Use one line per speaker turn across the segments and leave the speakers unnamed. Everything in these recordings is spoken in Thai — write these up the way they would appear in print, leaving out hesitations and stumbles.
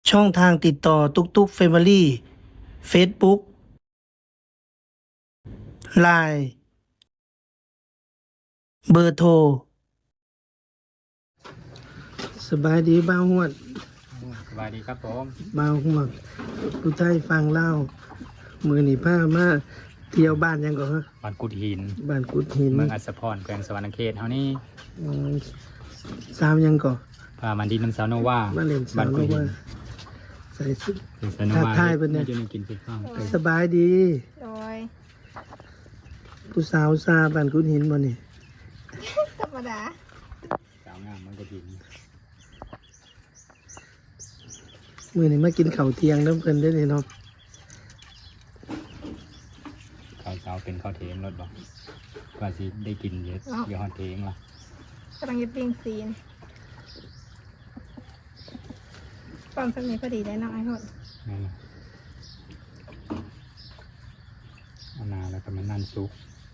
ช่องทางติดต่อตุกตุกเฟมิลี่เฟซบุ๊กไลน์เบอร์โทรสบายดีบ้าวหวด
สบายดีครับผม
บ้าวหวดผู้ไทยฟังเล่ามือหนีผ้ามาเที่ยวบ้านยังก่อนฮะ
บ้านกุดหิน
บ้านกุดหิน
เมืองอัศพรแขวงสวรรณเขตเท่านี้
อืมสาวยังก่อน
พามันดีน้ำสาวโนว่า
มาเล่นสา
บ้าน
ว
กุดหิ
ว่าน ใส่สุด
เป็นสาวโนว่า
ทักทายเพิ่นเนี่ย
จะมีกินสิข้าว
สบายดี
โดย
ผู้สาวซาบ้านกุดหินบ่นี่
ธรรมดา
สาวงามมันกุดหิน
มือนี่มากินข้าวเที่ยงน้ำเพิ่นได้เลยเนาะ
ข้าวเช้าเป็นข้าวเทงรถบอกว่าสิได้กินเยอะเยอะฮอดเทงละ
กำลังจะปิ้งซีนตอนสมัยพอดีได้น้องไอ้คน
นั่นน่ะเอานาแล้วก็มันนั่นซุก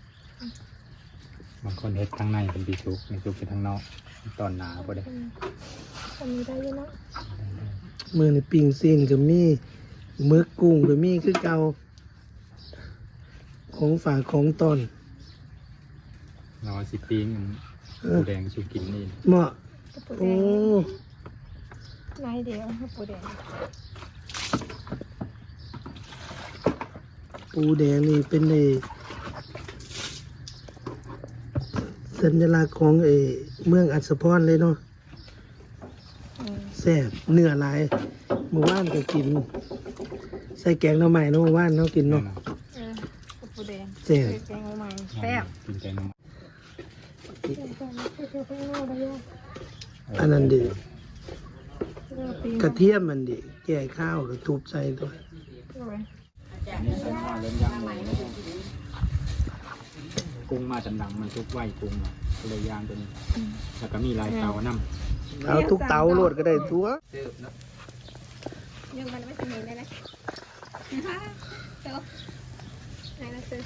บางคนเฮ็ดข้างในเป็นปีซุกในซุกเป็นข้างนอกตอนหนาพอดี
คนนี้ได้อยังเนาะ
มือนี่ปิ้งซีนก็มีหมึกกุ้งก็มีคือเก่าของฝากของตอน
เราสิปิ้งหมูแดงสุกินนี่
เหมาะ
กระปุกแด
โอ้
งนายเดียวกระปุกแดง
ปูแดงนี่เป็นไอ้สัญลักษณ์ของเมืองอัศพรเลยเนาะ
อืม
แซ่บเนื้อหลายเมื่อวานก็กิน ใส่แกงหน่อไม้เนาะเมื่อวานเนาะกินเนาะ
กระปุกแดง
แซ่บ
แกงใหม่แซ่บ
กินแกงน้ำมัน
อันนั้นดิก
ก
ระเทียมมันดิแก่ข้าวก็ทุบใส่ตัว
อันนี้ใส่ข้าวเริ่มย่างหมูกุ้งมาจำดังมันทุกไหวกุ้งอะก็เลยย่างตัวนี้แล้วก็มีลายเตาน้ำ
เอาทุกเตาโลดก็ได้ตัว
ยังมันไม่ถึงเลยนะเจ้าไหนนะซื้อ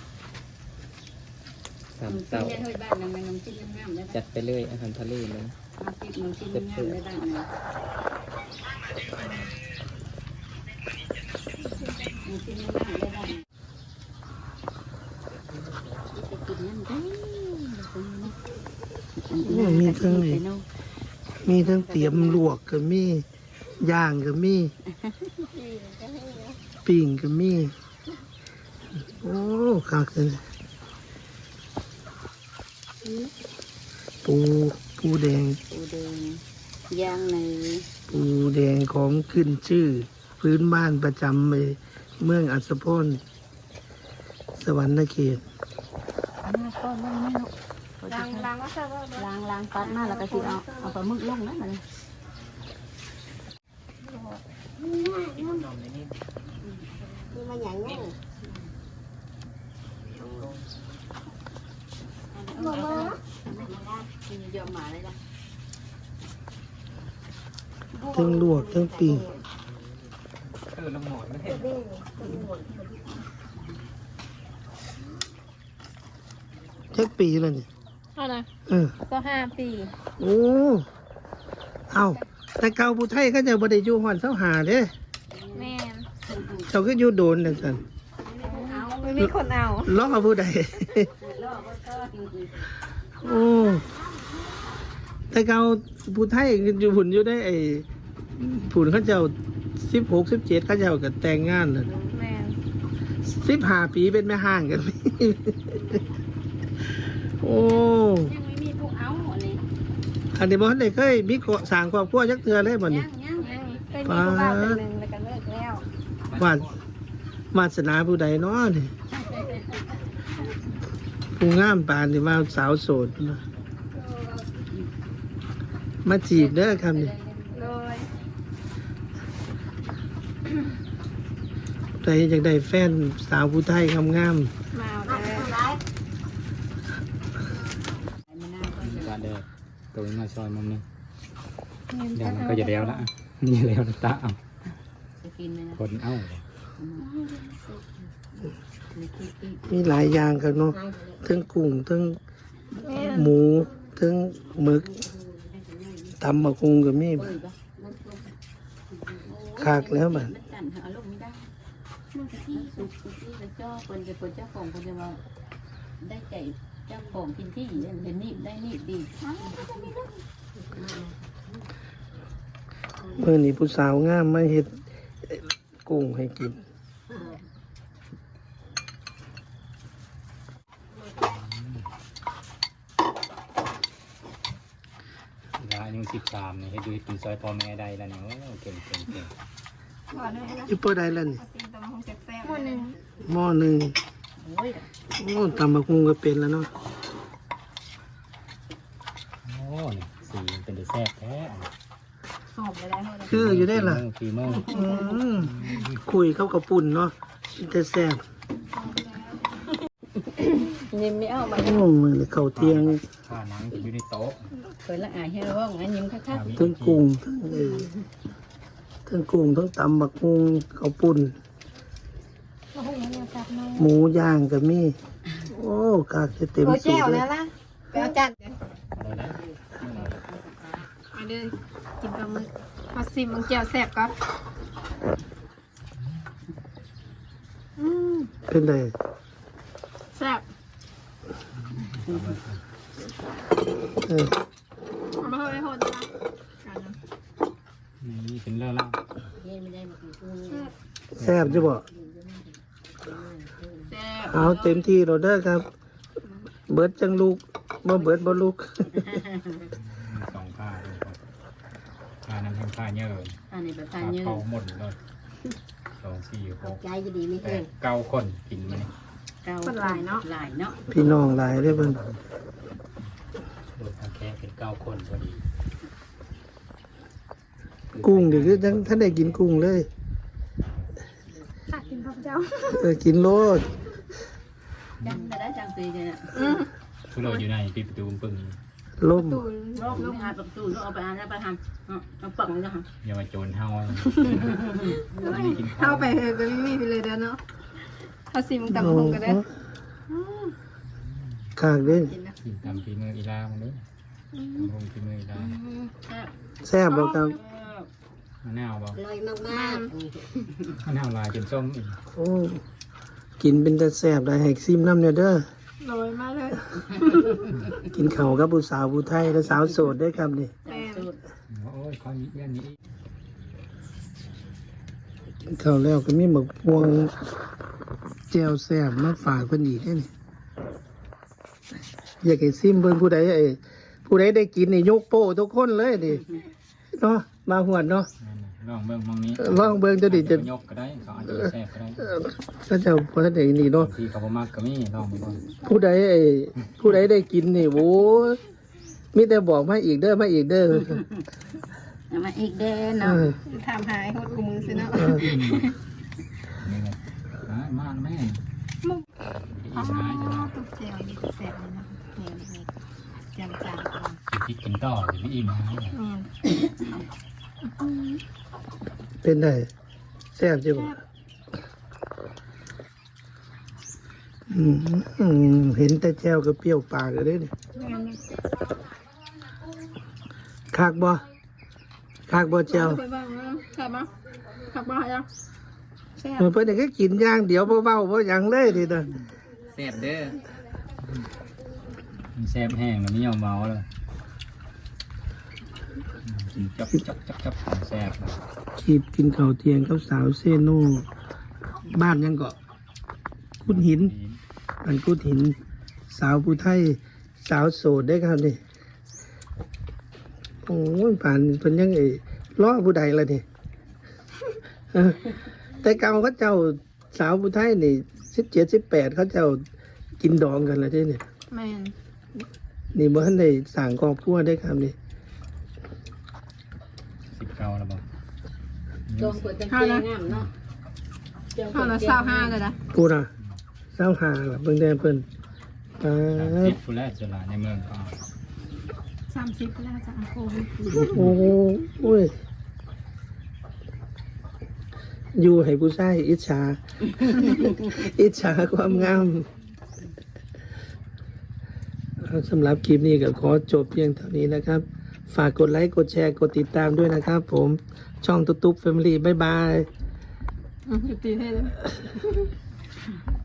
สามเต้าจัดไปเลยอาหารทะเลเลยเจ็บเสือ
มีทั้งเตรียมลวกก็มีย่างก็มีปิ้งก็มีโอ้คักเลยปูแดง
ปูแดงย่างใน
ปูแดงของขึ้นชื่อ พื้นบ้านประจำเมืองอัศพรสวรรณเขต
ล้างว่าใช่ว่า
ล้างปัดมาแล้วก็สิเอาปลาหมึกลงนะมัน
มันใหญ่เงี้ย
ยอมมาเลยจ้ะ
ทั้งลวกทั้งปิ้งแค่ปีแล้วเนี่ย
เท่าไหร่ ก็5 ปี
โอ้ เอาแต่เก่าผู้ไทยเขาจะบ่ได้อยู่หอนเสาหาเด้
แม่น
เจ้าก็อยู่โดนนั่นซั่น
ไม่มีคนเอา
ล้อผู้ใด โอ้แต่เก่าผู้ไทยอยู่หุ่นอยู่ได้ผุนเขาเจ้า16 17เขาเจ้าก็แต่งงานแล้ว
แม่น
15 ปีเป็นแม่ห้างกัน โอ้
ยังไม่มีผู้เอาอันนี้
อันนี้บ่ทันได้เคยมีสร้างครอบครัวจักเทื่อเลยบ่นี่
ยังเคยมีผู้บ่าวคนหนึ่งแล้วก็เลิกแล้ว
วาสนาผู้ใดเนาะนี่ผู้งามปานนี่มาสาวโสดเนาะมาจีบเด้อครับนี่
โดย
ใครอยากได้แฟนสาวผู้ไทยงาม
มาเอาเลย
จานเดียวตัวนี้มาซอยมุมนึงเดี๋ยวมันก็จะแล้วละนี่แล้วนะตาเอา
จะกินเลยนะ
คนเอ้า
ๆมีหลายอย่างครับเนาะทั้งกุ้งทั้ง
แม่น
หมูทั้งหมึกตำมะกุงก็มี
เปิดปะ
ขากแล้วมัน
มันสั่นหาลงไม่ได้
มันกะทิ
สุกที่แล้วเจ้าคนจะคนเจ้าของคนจะว่าได้ใจเจ้าของกินที่เห็นนี่ได้นี่ดี
เมื่อนี้ผู้สาวงามมาเฮ็ดกุ้งให้กิน
แล้วอายุ13นี่ให้ดูกินซอยพ่อแม่ได้แล้วเนี่ยโอ้เก่ง
ก่อนเลยนะ
อยู่เปิดได้แล้วนี่
ซิมตำมะฮงแซ่บๆหม้อหนึ่ง
หม้อหนึ่ง
โอ้ย
โอ้ตำบักหุ่งก็เป็นแล้วเนาะ
โอ้นี่สีเป็นได้แซ่บแท้
หอมเลยได้หมดเลย
คืออยู่ได้ล่ะ
ฝีมือ
คุยเข้ากับปุ่นเนาะจะแซ่บ
ยิ้มไม่เอามา
โอ้มือเข้าเที่ยง
ข้านังอยู่ในโต๊ะ
เคยละอายให้ร้องงั้นยิ้มคัก
ทั้งกุ้งทั้งกุ้งทั้งตำบักหุ่งข้าวปุ่น
มะฮงเนี่ยแซ่บมาก
หมูย่างก็มีโอ้กากจะเต็ม
โอ้
สู
แจ่
ต
ว
รเล
แล้
ยว
ล่ะไปเอาจัด
เอาได้
มาเด้อกินปลาหมึกมาซิมมังแจ่วแซ่บก่อน
เป็นไง
แซ่บ
เออ
เอามาเฮ้ยโหดจ้ะกันนะ
นี่เป็นเรื่องแล้ว
ๆนี่ไม่ได้มากินกุ้ง
แซ่บจะบอก
แซ่บ
เอาเต็มที่เราเด้อครับ เบิดจังลูกบ่เบิดบ่ลูก
สองผ้าเลยครับผ้านั้นทั้งผ้าเยอะเลย
อันนี้แบบ
ผ้า
ทานเยอะ
เข้าหมดเลย2 4 6
ใจจะดีไม่
แป
เก่
ด
ง
9คนกินมานี่
หลายเนาะ
พี่น้องหลายเด้อเพิ่น
โดยทางแค่เป็น9 คนพอดี
กุ้งนี่คือจังท่านได้กินกุ้งเลย
ตักกินข้าวเจ้า
กินโลด
จังแต่ได้จังตีเนี่ย
ทุเราอยู่ในปิดประตูปึ้ง
ล่ม
ตูน
รอบหาประตูเอาไปอ่านแล้วไปทำเอาปังเลยค่ะ
อย่ามาโจรเฮา
เข้าไปเฮก็ไม่มีไปเลยเด้อเนาะเอาซิมตำมะฮงก็ได้
ขากเด้อ
กินนะ
กินตามฝีมืออีลามันนี้ตามฝีมืออีลา
แซ่บบ่ครับ
มะนาวบ่
ลอยมาก
มะนาวลายจนส้มอีก
โอ้กินเป็นแต่แซ่บได้ให้ซิมน้ำเนี่ยเด้อ
โรยมากเลย
กินข้าวกับผู้สาวผู้ไทยและสาวโสดได้อครับนี่
แม่น
โอ้ยข้าวนี้ย่านนี้
กินข้าวแล้วก็มีหมึกพวงแจ่วแซ่บมาฝากเพิ่นอีกเด้อนี่อยากให้ซิมเบิ่งผู้ใดผู้ใดได้กินนี่ยกโป้ทุกคนเลยนี่เนาะมาหวดเนาะ
ลองเบิ่งมองนี้
ลองเบิ่งจะดิจะ
ยกก็ได้เขาอาจจะแซ่บก็ได้
ก็จะพอได้นี่เนาะ
บางทีเขาบ่มักก็มีลองไปก่อน
ผู้ใดผู้ใดได้กินนี่โว้มีแต่บอกมาอีกเด้อมาอีกเด้อ
มาอีกเด้
เอ
เนาะ
อ
ทำหายโหดกูมือสิเนาะ
นี่ไงมาแม่
มุก
อี
อ๋อ
สานจะ
ตุ๊กเจียวนี่แซ่บเลยนะนี่จางก่อน
คิดกินต่อหรือไม่อิ่มนะ
เป็นไงแซ่บจังบ่เห็นแต่แจ่วก็เปรี้ยวปากเลยนี่คากบ่แจ่ว
ไปบ้างนะขับมาขับมายังแซ่บ
เพิ่นก็กินอย่างเดียวบ่เว้าบ่หยังเลยนี่นะ
แซ่บเด้อแซ่บแห้งแล้วไม่ยอมเมาเลยกินจับแซ่บ
ขีดกินข้าวเที่ยงกับสาวเซโนบ้านยังเกาะกุดหินอันกุดหิน สาวผู้ไทย สาวโสดได้ครับนี่โอ้ยผ่านเพิ่นยังล้อผู้ใดล่ะนี่ แต่เก่าเขาเจ้าสาวผู้ไทยนี่17 18เขาเจ้ากินดองกันแล้วเด้เนี่ย
แม่น
นี่บ่ทันได้สร้างครอบครัวได้ครับนี่
19แล้วบ่
จงเปิดจังเกงงามเนาะ
ข้าวละ25เลยนะ
พูดอ่ะ25ล่ะเบิ่งแด่เพิ่น
30ผู้แรกจะหลายในเมืองก็
30ก็แล้วจะโควิด
โอ้ยอยู่ให้ผู้ชายอิจฉา อิจฉาความงามสำหรับคลิปนี้ก็ขอจบเพียงเท่านี้นะครับฝากกดไลค์กดแชร์กดติดตามด้วยนะครับผมช่องตุ๊บตุ๊บแฟมิลี่บ๊ายบาย
อยู่ตีให้เลย